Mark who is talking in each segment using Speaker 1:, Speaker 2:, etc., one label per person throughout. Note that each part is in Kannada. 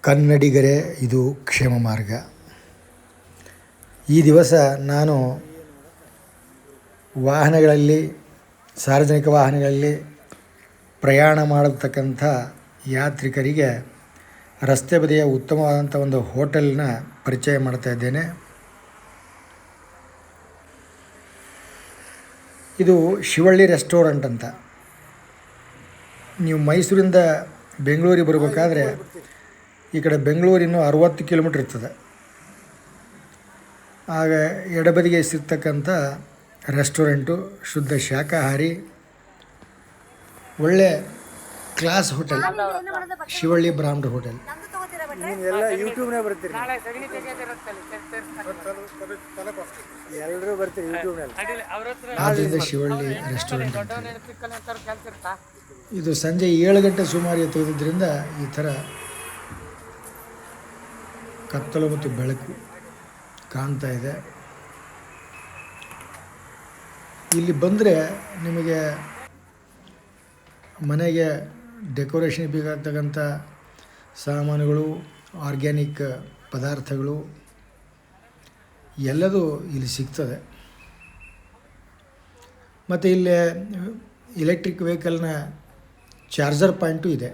Speaker 1: ಕನ್ನಡಿಗರೇ, ಇದು ಕ್ಷೇಮ ಮಾರ್ಗ. ಈ ದಿವಸ ನಾನು ಸಾರ್ವಜನಿಕ ವಾಹನಗಳಲ್ಲಿ ಪ್ರಯಾಣ ಮಾಡತಕ್ಕಂಥ ಯಾತ್ರಿಕರಿಗೆ ರಸ್ತೆ ಬದಿಯ ಉತ್ತಮವಾದಂಥ ಒಂದು ಹೋಟೆಲ್ನ ಪರಿಚಯ ಮಾಡ್ತಾ ಇದ್ದೇನೆ. ಇದು ಶಿವಳ್ಳಿ ರೆಸ್ಟೋರೆಂಟ್ ಅಂತ. ನೀವು ಮೈಸೂರಿಂದ ಬೆಂಗಳೂರಿಗೆ ಬರಬೇಕಾದ್ರೆ ಈ ಕಡೆ ಬೆಂಗಳೂರಿನ 60 ಕಿಲೋಮೀಟ್ರ್ ಇರ್ತದೆ. ಆಗ ಎಡಬದಿಗೆ ಸಿಗ್ತಕ್ಕಂಥ ರೆಸ್ಟೋರೆಂಟು, ಶುದ್ಧ ಶಾಕಾಹಾರಿ, ಒಳ್ಳೆ ಕ್ಲಾಸ್ ಹೋಟೆಲ್, ಶಿವಳ್ಳಿ ಬ್ರಾಹ್ಮಣ ಹೋಟೆಲ್.
Speaker 2: ಯೂಟ್ಯೂಬ್ನಾಗ ಬರ್ತೀರಿ, ಎಲ್ಲರೂ ಬರ್ತೀರಿ ಯೂಟ್ಯೂಬ್ನಲ್ಲಿ.
Speaker 1: ಆದ್ದರಿಂದ ಶಿವಳ್ಳಿ ರೆಸ್ಟೋರೆಂಟ್ ಅಂತ. ಇದು ಸಂಜೆ 7 ಗಂಟೆ ಸುಮಾರಿಗೆ ತೆಗೆದಿದ್ದರಿಂದ ಈ ಥರ ಕತ್ತಲು ಮತ್ತು ಬೆಳಕು ಕಾಣ್ತಾ ಇದೆ. ಇಲ್ಲಿ ಬಂದರೆ ನಿಮಗೆ ಮನೆಗೆ ಡೆಕೋರೇಷನ್ ಬೇಕಾಗ್ತಕ್ಕಂಥ ಸಾಮಾನುಗಳು, ಆರ್ಗ್ಯಾನಿಕ್ ಪದಾರ್ಥಗಳು ಎಲ್ಲದೂ ಇಲ್ಲಿ ಸಿಗ್ತದೆ. ಮತ್ತು ಇಲ್ಲಿ ಎಲೆಕ್ಟ್ರಿಕ್ ವೆಹಿಕಲ್ನ ಚಾರ್ಜರ್ ಪಾಯಿಂಟು ಇದೆ.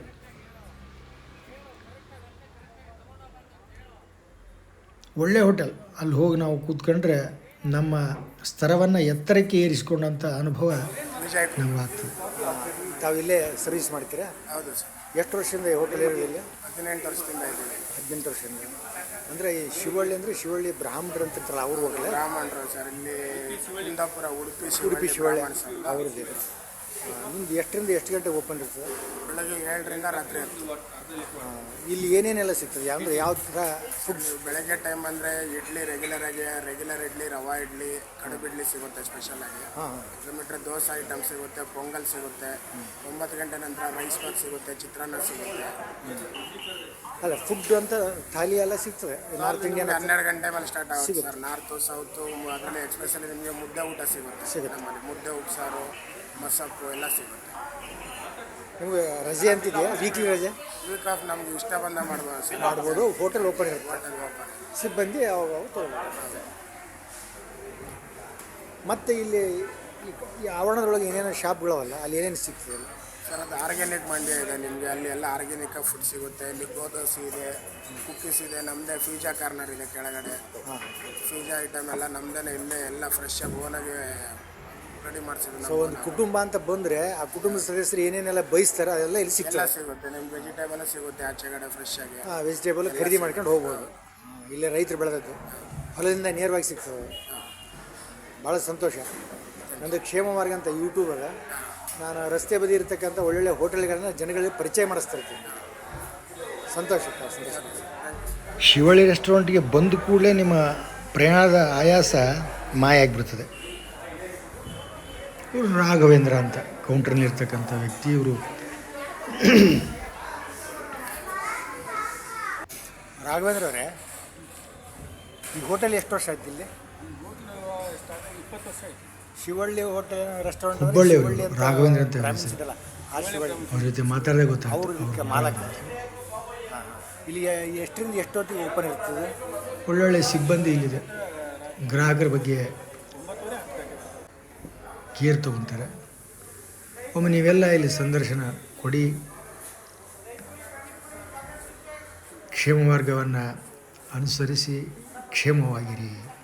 Speaker 1: ಒಳ್ಳೆ ಹೋಟೆಲ್. ಅಲ್ಲಿ ಹೋಗಿ ನಾವು ಕೂತ್ಕೊಂಡ್ರೆ ನಮ್ಮ ಸ್ತರವನ್ನು ಎತ್ತರಕ್ಕೆ ಏರಿಸಿಕೊಂಡಂಥ ಅನುಭವ ನಮಗಾಗ್ತದೆ.
Speaker 2: ತಾವು ಇಲ್ಲೇ ಸರ್ವಿಸ್ ಮಾಡ್ತೀರಾ?
Speaker 3: ಹೌದು ಸರ್.
Speaker 2: ಎಷ್ಟು ವರ್ಷದಿಂದ ಈ ಹೋಟೆಲ್ ಇರೋದು ಇಲ್ಲಿ?
Speaker 3: 18 ವರ್ಷದಿಂದ ಇದ್ದೀವಿ.
Speaker 2: 18 ವರ್ಷದಿಂದ. ಅಂದರೆ ಈ ಶಿವಳ್ಳಿ ಅಂದರೆ ಶಿವಳ್ಳಿ ಬ್ರಾಹ್ಮಣರು ಅಂತಿರ್ತಾರಲ್ಲ, ಅವ್ರು ಹೋಗಲ್ಲ?
Speaker 3: ಬ್ರಾಹ್ಮಣರು ಸರ್. ಇಲ್ಲಿ ಕುಂದಾಪುರ, ಉಡುಪಿ
Speaker 2: ಶಿವಳ್ಳಿ ಅವ್ರದ್ದು. ನಿಮ್ದು ಎಷ್ಟರಿಂದ ಎಷ್ಟು ಗಂಟೆ ಓಪನ್ ಇರ್ತದೆ?
Speaker 3: ಬೆಳಗ್ಗೆ 7ರಿಂದ ರಾತ್ರಿ 10.
Speaker 2: ಇಲ್ಲಿ ಏನೇನೆಲ್ಲ ಸಿಗ್ತದೆ? ಅಂದರೆ ಯಾವ ಥರ ಫುಡ್?
Speaker 3: ಬೆಳಗ್ಗೆ ಟೈಮ್ ಅಂದರೆ ಇಡ್ಲಿ ರೆಗ್ಯುಲರ್ ಇಡ್ಲಿ, ರವಾ ಇಡ್ಲಿ, ಕಡುಬು ಇಡ್ಲಿ ಸಿಗುತ್ತೆ ಸ್ಪೆಷಲ್ ಆಗಿ. ಅದು ಬಿಟ್ಟರೆ ದೋಸೆ ಐಟಮ್ ಸಿಗುತ್ತೆ, ಪೊಂಗಲ್ ಸಿಗುತ್ತೆ. 9 ಗಂಟೆ ನಂತರ ರೈಸ್ ಬಾತ್ ಸಿಗುತ್ತೆ, ಚಿತ್ರಾನ್ನ ಸಿಗುತ್ತೆ.
Speaker 2: ಅಲ್ಲ, ಫುಡ್ ಅಂತ ಥಾಲಿ ಎಲ್ಲ ಸಿಗ್ತದೆ? ನಾರ್ತ್ ಇಂಡಿಯನ್
Speaker 3: 12 ಗಂಟೆ ಮೇಲೆ ಸ್ಟಾರ್ಟ್ ಆಗುತ್ತೆ ಸರ್. ನಾರ್ತು ಸೌತು ಅದರಲ್ಲಿ ಎಕ್ಸ್ಪೆಷಲಿ ನಿಮಗೆ ಮುದ್ದೆ ಊಟ ಸಿಗುತ್ತೆ. ನಮ್ಮಲ್ಲಿ ಮುದ್ದೆ, ಉಪ್ಸಾರು, ಮಸಪ್ಪು ಎಲ್ಲ ಸಿಗುತ್ತೆ.
Speaker 2: ನಿಮಗೆ ರಜೆ ಅಂತಿದೆಯಾ? ವೀಕ್ಲಿ ರಜೆ?
Speaker 3: ವೀಕ್ ಆಫ್ ನಮ್ಗೆ ಇಷ್ಟ ಬಂದ
Speaker 2: ಮಾಡ್ಬೋದು. ಹೋಟೆಲ್ ಓಪನ್ ಇರುತ್ತೆ,
Speaker 3: ಹೋಟೆಲ್ ಓಪನ್.
Speaker 2: ಸಿಬ್ಬಂದಿ ಅವಾಗ ತೊಗೊಳ್ಬೋದು. ಮತ್ತು ಇಲ್ಲಿ ಈ ಆವರಣದೊಳಗೆ ಏನೇನೋ ಶಾಪ್ಗಳವಲ್ಲ, ಅಲ್ಲಿ ಏನೇನು ಸಿಗ್ತದೆ
Speaker 3: ಸರ್? ಅದು ಆರ್ಗ್ಯಾನಿಕ್ ಮಂಡ್ಯ ಇದೆ ನಿಮಗೆ. ಅಲ್ಲಿ ಎಲ್ಲ ಆರ್ಗ್ಯಾನಿಕ್ ಫುಡ್ ಸಿಗುತ್ತೆ. ಇಲ್ಲಿ ಗೋದೋಸಿ ಇದೆ, ಕುಕ್ಕೀಸ್ ಇದೆ, ನಮ್ಮದೇ ಫೀಜಾ ಕಾರ್ನರ್ ಇದೆ ಕೆಳಗಡೆ. ಫೀಜಾ ಐಟಮ್ ಎಲ್ಲ ನಮ್ಮದೇ ಇಲ್ಲೇ ಎಲ್ಲ ಫ್ರೆಶ್ ಆಗಿ ಓನಾಗಿ ರೆಡಿ ಮಾಡಿಸಿದ್ರು.
Speaker 2: ಸೊ ಒಂದು ಕುಟುಂಬ ಅಂತ ಬಂದರೆ ಆ ಕುಟುಂಬದ ಸದಸ್ಯರು ಏನೇನೆಲ್ಲ ಬಯಸ್ತಾರೆ ಅದೆಲ್ಲ ಇಲ್ಲಿ
Speaker 3: ಎಲ್ಲ ಸಿಗುತ್ತೆ. ನಿಮ್ಗೆ ವೆಜಿಟೇಬಲ್ ಸಿಗುತ್ತೆ ಆಚೆಗಡೆ ಫ್ರೆಶ್ ಆಗಿ.
Speaker 2: ವೆಜಿಟೇಬಲ್ ಖರೀದಿ ಮಾಡ್ಕೊಂಡು ಹೋಗ್ಬೋದು. ಇಲ್ಲೇ ರೈತರು ಬೆಳೆದದ್ದು ಹೊಲದಿಂದ ನೇರವಾಗಿ ಸಿಗ್ತದೆ. ಭಾಳ ಸಂತೋಷ. ನಂದು ಕ್ಷೇಮ ಮಾರ್ಗ ಅಂತ ಯೂಟ್ಯೂಬಾಗ ನಾನು ರಸ್ತೆ ಬದಿ ಇರತಕ್ಕಂಥ ಒಳ್ಳೊಳ್ಳೆ ಹೋಟೆಲ್ಗಳನ್ನ ಜನಗಳಿಗೆ ಪರಿಚಯ ಮಾಡಿಸ್ತಾ ಇರ್ತೀನಿ. ಸಂತೋಷ.
Speaker 1: ಶಿವಳ್ಳಿ ರೆಸ್ಟೋರೆಂಟ್ಗೆ ಬಂದ ಕೂಡಲೇ ನಿಮ್ಮ ಪ್ರಯಾಣದ ಆಯಾಸ ಮಾಯ ಆಗಿಬಿಡ್ತದೆ. ಇವರು ರಾಘವೇಂದ್ರ ಅಂತ ಕೌಂಟ್ರಲ್ಲಿರ್ತಕ್ಕಂಥ ವ್ಯಕ್ತಿ. ಇವರು
Speaker 2: ರಾಘವೇಂದ್ರ ಅವರೇ, ಈ ಹೋಟೆಲ್ ಎಷ್ಟು ವರ್ಷ ಆಯ್ತು ಇಲ್ಲಿ?
Speaker 3: 20 ವರ್ಷ ಆಯಿತು.
Speaker 2: ಶಿವಳ್ಳಿ ಹೋಟೆಲ್ ರೆಸ್ಟೋರೆಂಟ್
Speaker 1: ಹುಬ್ಬಳ್ಳಿ ರಾಘವೇಂದ್ರ ಅಂತ
Speaker 2: ಅವ್ರ
Speaker 1: ಜೊತೆ ಮಾತಾಡದೆ ಗೊತ್ತಾಯ್ತು.
Speaker 2: ಅವ್ರ ಮಾಲಕ. ಇಲ್ಲಿ ಎಷ್ಟರಿಂದ ಎಷ್ಟೊತ್ತಿಗೆ ಓಪನ್ ಇರ್ತದೆ?
Speaker 1: ಒಳ್ಳೊಳ್ಳೆ ಸಿಬ್ಬಂದಿ ಇಲ್ಲಿದೆ. ಗ್ರಾಹಕರ ಬಗ್ಗೆ ಕೇರ್ ತೊಗೊತಾರೆ. ಒಮ್ಮೆ ನೀವೆಲ್ಲ ಇಲ್ಲಿ ಸಂದರ್ಶನ ಕೊಡಿ. ಕ್ಷೇಮ ಮಾರ್ಗವನ್ನು ಅನುಸರಿಸಿ ಕ್ಷೇಮವಾಗಿರಿ.